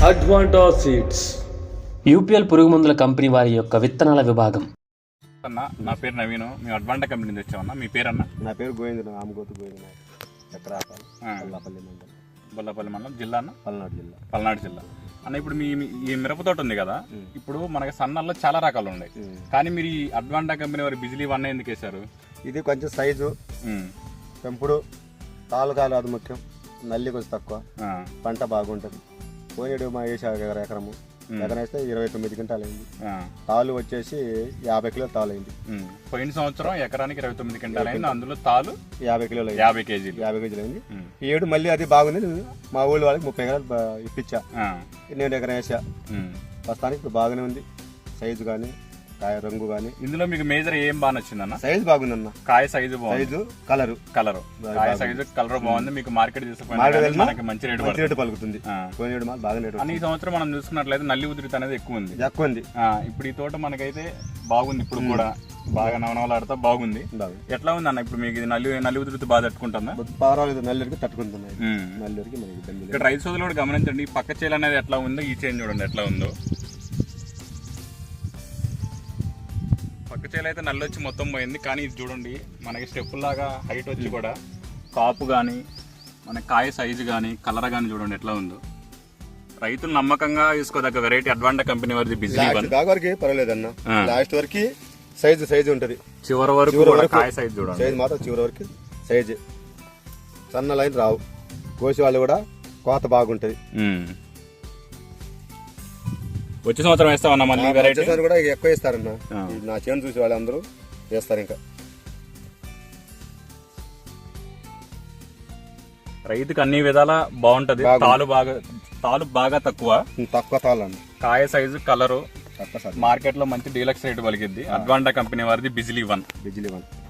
Advanta seeds UPL పురుగు మందుల company వారి యొక్క విత్తనాల విభాగం. అన్న నా పేరు నవీన్, మేము అడ్వాంటా కంపెనీ నుంచి వచ్చామన్నా. మీ పేరు అన్న? నా పేరు గోవింద, ఆమగోతు గోవింద, చక్రాపల్లి, బొల్లపల్లి మండలం, బొల్లపల్లి మండలం, జిల్లా అన్న పల్నాడు జిల్లా అన్న. ఇప్పుడు ఈ మిరప తోట ఉంది కదా, ఇప్పుడు మనకి సన్నల్లో చాలా రకాలు ఉన్నాయి, కానీ మీరు ఈ అడ్వాంటా కంపెనీ వారి బిజిలీ వన్ ఎందుకు వేశారు? ఇది కొంచెం సైజు, పెంపుడు, తాలుకాలు అది ముఖ్యం, నల్లి కొంచెం తక్కువ, పంట బాగుంటుంది. పోయినడు మా ఎకరము ఎకరం వేస్తే 29 క్వింటాలు అయింది. తాలు వచ్చేసి 50 కిలోలు తాలు అయింది. పోయిన సంవత్సరం ఎకరానికి 29 క్వింటాలు అయింది, అందులో తాలు 50 కిలోలు, 50 కేజీలు అయింది. ఈ ఏడు మళ్ళీ అది బాగుంది. మా ఊళ్ళో వాళ్ళకి 30 ఎకరాలు ఇప్పించా, నేను ఎకరం వేసా. ప్రస్తుతానికి ఇప్పుడు బాగానే ఉంది, సైజు కానీ కాయ రంగు కానీ. ఇందులో మీకు మేజర్ ఏం బాగా నచ్చిందన్న? సైజు బాగుందన్న, కాయ సైజు బాగుంది, సైజు కలరు కాయ సైజు కలర్ బాగుంది. మీకు మార్కెట్ తీసుకుని మంచి రేటు పలుకుతుంది. ఈ సంవత్సరం మనం చూసుకున్నట్లయితే నల్లి ఉధృతి అనేది ఎక్కువ ఉంది. ఇప్పుడు ఈ తోట మనకైతే బాగుంది, ఇప్పుడు కూడా బాగా నవనవలాడుతా బాగుంది. ఎట్లా ఉంది అన్న ఇప్పుడు మీకు నల్లి ఉధృతి బాగా తట్టుకుంటుందా? పర్వాలేదు, నల్లికి తట్టుకుంటున్నాయి. ఇక్కడ రైతు సోదరులు కూడా గమనించండి, ఈ పక్క చేలు అనేది ఎట్లా ఉందో, ఈ చేను చూడండి ఎట్లా ఉందో. పక్క చేలు అయితే నల్లి వచ్చి మొత్తం పోయింది, కానీ ఇది చూడండి మనకి స్టెప్ లాగా హైట్ వచ్చి కూడా కాపు కానీ మన కాయ సైజు కానీ కలర్ కానీ చూడండి ఎట్లా ఉందో. రైతులు నమ్మకంగా తీసుకోదగ్గ వెరైటీ అడ్వాంటా కంపెనీ వారిది బిజిలీ వన్. వరకు పర్వాలేదన్న, లాస్ట్ వరకు సైజు ఉంటది, చివరి వరకు కాయ సైజు చూడండి. సైజు మాత్రం చివరి వరకు సైజు, సన్న లైన్ రావు. కోసి వాళ్ళు కూడా కోత బాగుంటది. వచ్చే సంవత్సరం వేస్తామన్నా మళ్ళీ వెరైటీ కూడా ఎక్కువ వేస్తారన్న. నా చేను చూసి వాళ్ళందరూ వేస్తారు. ఇంకా రైతుకి అన్ని విధాల బాగుంటది. తాలు బాగా తక్కువ తాలు అన్న, కాయ సైజు కలరు మార్కెట్ లో మంచి డీలక్స్ రేటు పలికిద్ది. అడ్వాంటా కంపెనీ వారిది బిజిలీ వన్.